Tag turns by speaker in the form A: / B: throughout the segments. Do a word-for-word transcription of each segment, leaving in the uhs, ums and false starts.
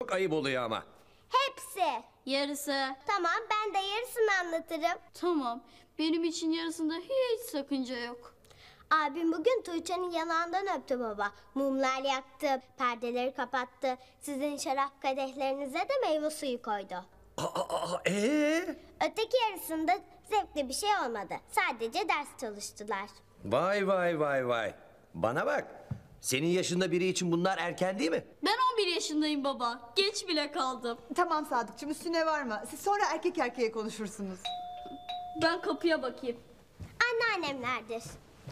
A: çok ayıp oluyor ama.
B: Hepsi.
C: Yarısı.
B: Tamam, ben de yarısını anlatırım.
C: Tamam. Benim için yarısında hiç sakınca yok.
B: Abim bugün Tuğçe'nin yanağından öptü baba. Mumlar yaktı, perdeleri kapattı. Sizin şarap kadehlerinize de meyve suyu koydu.
A: Aa, aa, ee?
B: Öteki yarısında zevkli bir şey olmadı. Sadece ders çalıştılar.
A: Vay vay vay vay. Bana bak. Senin yaşında biri için bunlar erken değil mi?
C: Ben on bir yaşındayım baba. Geç bile kaldım.
D: Tamam Sadıkçım, üstüne varma. Siz sonra erkek erkeğe konuşursunuz.
C: Ben kapıya bakayım.
B: Anneannemlerdir.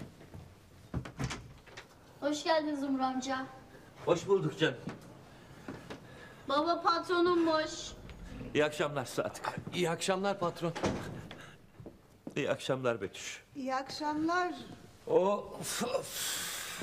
C: Hoş geldin Zumru amca.
E: Hoş bulduk canım.
C: Baba patronummuş.
E: İyi akşamlar Sadık.
A: İyi akşamlar patron.
E: İyi akşamlar Betüş.
D: İyi akşamlar.
E: Of, of.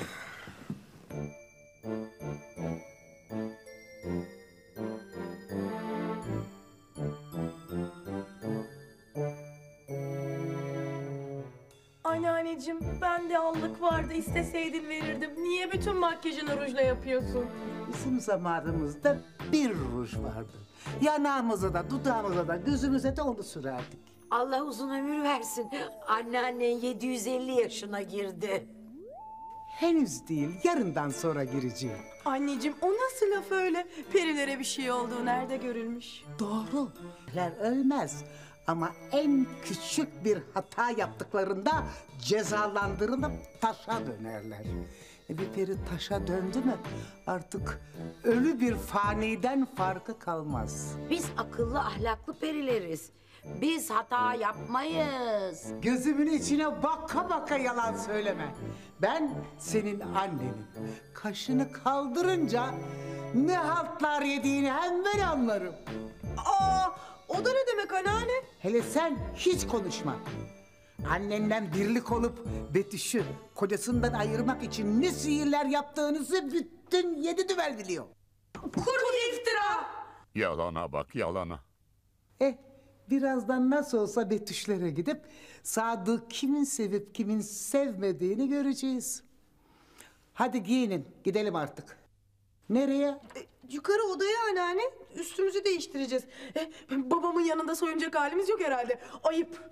F: Anneanneciğim, ben de allık vardı, isteseydin verirdim. Niye bütün makyajını rujla yapıyorsun?
G: Bizim zamanımızda bir ruj vardı. Yanağımıza da, dudağımıza da, gözümüze de onu sürerdik.
H: Allah uzun ömür versin. Anneannen yedi yüz elli yaşına girdi.
G: Henüz değil, yarından sonra gireceğim.
F: Anneciğim, o nasıl laf öyle? Perilere bir şey olduğu nerede görülmüş?
G: Doğru. Periler ölmez. Ama en küçük bir hata yaptıklarında cezalandırılıp taşa dönerler. E bir peri taşa döndü mü artık ölü bir faniden farkı kalmaz.
H: Biz akıllı ahlaklı perileriz. Biz hata yapmayız.
G: Gözümün içine baka baka yalan söyleme. Ben senin annenim. Kaşını kaldırınca ne haltlar yediğini hemen anlarım.
F: Aa, o da ne demek anneanne?
G: Hele sen hiç konuşma. Annenden birlik olup Betüş'ü kocasından ayırmak için ne sihirler yaptığınızı bütün yedi düvel biliyor.
F: Kuru iftira!
I: Yalana bak yalana.
G: Eh, birazdan nasıl olsa Betüş'lere gidip Sadık'ı kimin sevip kimin sevmediğini göreceğiz. Hadi giyinin, gidelim artık. Nereye?
F: E, yukarı odaya anneanne. Üstümüzü değiştireceğiz. E, babamın yanında soyunacak halimiz yok herhalde. Ayıp.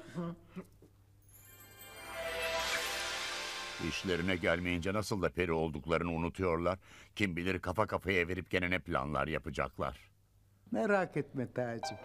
I: İşlerine gelmeyince nasıl da peri olduklarını unutuyorlar. Kim bilir kafa kafaya verip gene ne planlar yapacaklar.
G: Merak etme Taci.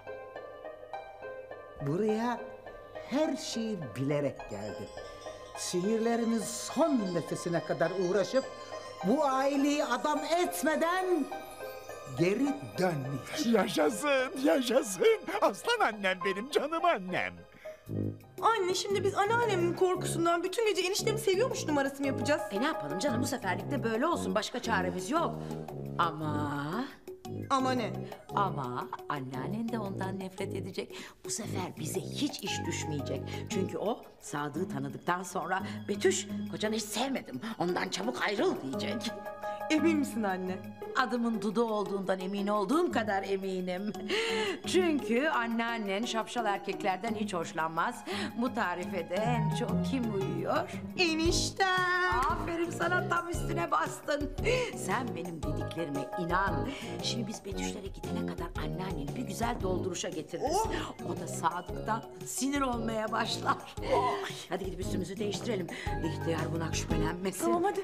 G: Buraya her şeyi bilerek geldim. Sihirlerimiz son nefesine kadar uğraşıp bu aileyi adam etmeden geri dönmeyeceğim.
I: Yaşasın, yaşasın. Aslan annem benim, canım annem.
F: Anne, şimdi biz anneannemin korkusundan bütün gece eniştemi seviyormuş numarası mı yapacağız?
H: E ne yapalım canım, bu seferlik de böyle olsun. Başka çaremiz yok. Ama...
F: Ama ne?
H: Ama anneannen de ondan nefret edecek. Bu sefer bize hiç iş düşmeyecek. Çünkü o Sadık'ı tanıdıktan sonra Betüş, kocanı hiç sevmedim, ondan çabuk ayrıl diyecek.
F: Emin misin anne?
H: Adımın Dudu olduğundan emin olduğum kadar eminim. Çünkü anneannen şapşal erkeklerden hiç hoşlanmaz. Bu tarife de en çok kim uyuyor?
F: Eniştem.
H: Aferin sana, tam üstüne bastın. Sen benim dediklerime inan. Şimdi biz Betüşlere gidene kadar anneanneni bir güzel dolduruşa getiririz. O da Sadık'tan sinir olmaya başlar. Hadi gidip üstümüzü değiştirelim. İhtiyar bunak şüphelenmesin.
F: Tamam hadi.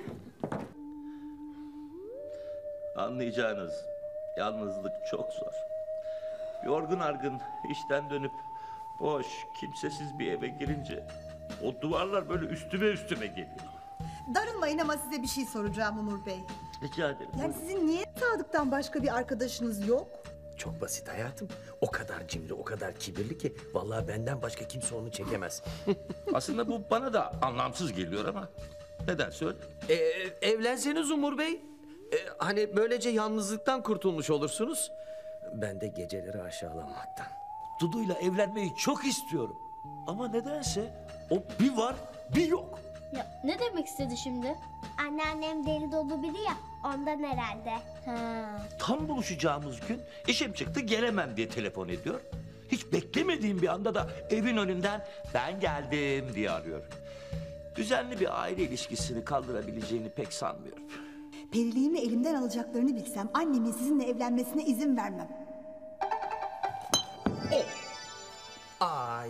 E: Anlayacağınız yalnızlık çok zor. Yorgun argın işten dönüp boş, kimsesiz bir eve girince o duvarlar böyle üstüme üstüme geliyor.
D: Darılmayın ama size bir şey soracağım Umur Bey.
E: Rica ederim.
D: Yani sizin niye Sadık'tan başka bir arkadaşınız yok?
A: Çok basit hayatım. O kadar cimri, o kadar kibirli ki vallahi benden başka kimse onu çekemez.
E: Aslında bu bana da anlamsız geliyor ama neden söyle?
A: Ee, evlenseniz Umur Bey. Ee, hani böylece yalnızlıktan kurtulmuş olursunuz. Ben de geceleri aşağılanmaktan.
E: Dudu'yla evlenmeyi çok istiyorum. Ama nedense o bir var bir yok.
C: Ya ne demek istedi şimdi?
B: Anneannem deli dolu biri ya, ondan herhalde.
C: Ha.
E: Tam buluşacağımız gün işim çıktı gelemem diye telefon ediyor. Hiç beklemediğim bir anda da evin önünden ben geldim diye arıyor. Düzenli bir aile ilişkisini kaldırabileceğini pek sanmıyorum.
D: Periliğimi elimden alacaklarını bilsem annemin sizinle evlenmesine izin vermem.
A: Ay.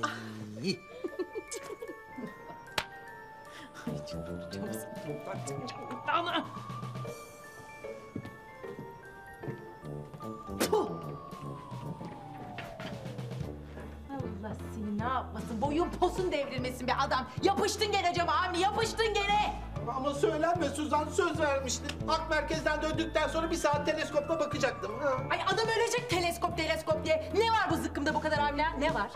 H: Allah seni ne yapmasın? Boyun posun devrilmesin be adam. Yapıştın gene cama Avni, yapıştın gene.
J: Ama söylenme Suzan, söz vermiştin. Ak merkezden döndükten sonra bir saat teleskopla bakacaktım. Ha.
H: Ay adam ölecek teleskop teleskop diye. Ne var bu zıkkımda bu kadar Avni? Ne var?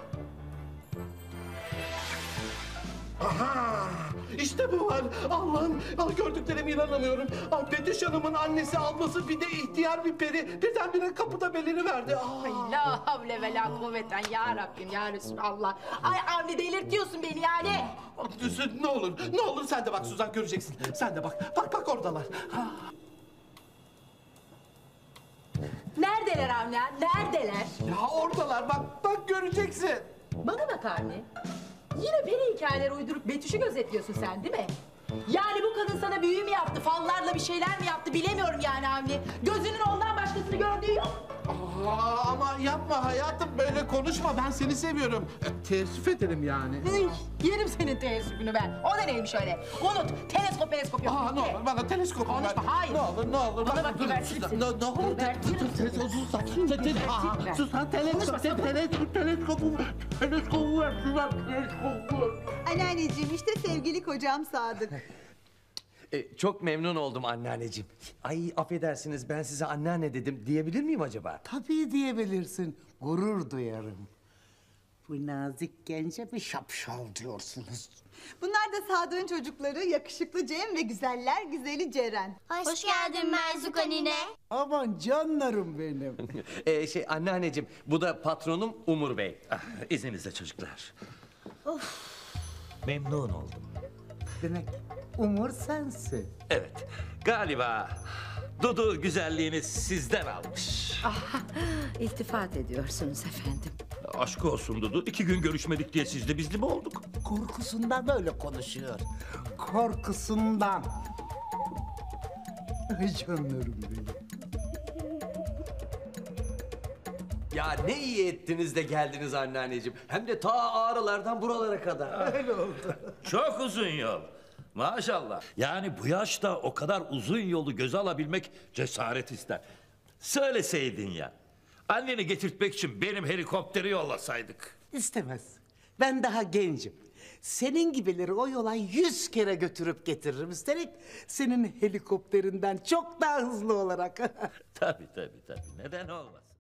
J: Aha! İşte bu var. Allah'ım, ah, gördüklerime inanamıyorum. Ah, Betüş Hanım'ın annesi alması bir de ihtiyar bir peri. Birdenbire kapıda beliriverdi. Ah.
H: Ay la havle ve la kuvveten ya Rabbim ya Resulallah. Ay Avni delirtiyorsun beni yani.
J: Ne olur, ne olur sen de bak Suzan, göreceksin. Sen de bak, bak bak oradalar. Ha.
H: Neredeler Avni? Neredeler?
J: Ya oradalar, bak bak göreceksin.
H: Bana bak Avni. Yine beni hikayeler uydurup Betüş'ü gözetliyorsun sen değil mi? Yani bu kadın sana büyü mü yaptı, fallarla bir şeyler mi yaptı bilemiyorum yani Avni. Gözünün ondan başkasını gördüğü yok.
J: Aa, ama yapma hayatım, böyle konuşma, ben seni seviyorum. E, teessüf ederim yani.
H: Hıy, yerim senin teessüpünü ben. O da neymiş öyle? Unut, teleskop teleskop yok.
J: Aa, ne olur bana teleskop ver.
H: Konuşma, hayır.
J: Ne olur, ne olur.
H: Bana
J: bak,
H: bak,
J: dur,
H: gebertirim
J: Suzan,
H: seni.
J: Ne, ne olur,
H: Gebertirim
J: dur, dur, dur, Suzan, te- te- Aa, Suzan, teleskop, te- teleskop, teleskopu, teleskopu ver, Suzan, teleskopu ver.
D: Anneanneciğim işte sevgili kocam Sadık.
A: E, çok memnun oldum anneanneciğim. Ay affedersiniz, ben size anneanne dedim diyebilir miyim acaba?
G: Tabii diyebilirsin. Gurur duyarım. Bu nazik gence bir şapşal diyorsunuz.
D: Bunlar da Sadık'ın çocukları yakışıklı Cem ve güzeller güzeli Ceren.
B: Hoş, Hoş geldin Merzuka nine.
G: Aman canlarım benim.
A: E, şey anneanneciğim, bu da patronum Umur Bey.
E: Ah, izninizle çocuklar. Memnun oldum.
G: Demek Umur sensin.
E: Evet, galiba Dudu güzelliğini sizden almış.
H: İltifat ediyorsunuz efendim.
E: Aşk olsun Dudu, iki gün görüşmedik diye sizle bizli mi olduk?
G: Korkusundan böyle konuşuyor. Korkusundan. Ay canlarım benim.
A: Ya ne iyi ettiniz de geldiniz anneanneciğim. Hem de ta Ağrılardan buralara kadar.
G: Öyle oldu.
E: Çok uzun yol. Maşallah. Yani bu yaşta o kadar uzun yolu göze alabilmek cesaret ister. Söyleseydin ya. Anneni getirtmek için benim helikopteri yollasaydık.
G: İstemez. Ben daha gencim. Senin gibileri o yola yüz kere götürüp getiririm. Üstelik senin helikopterinden çok daha hızlı olarak.
E: Tabii tabii tabii. Neden olmasın?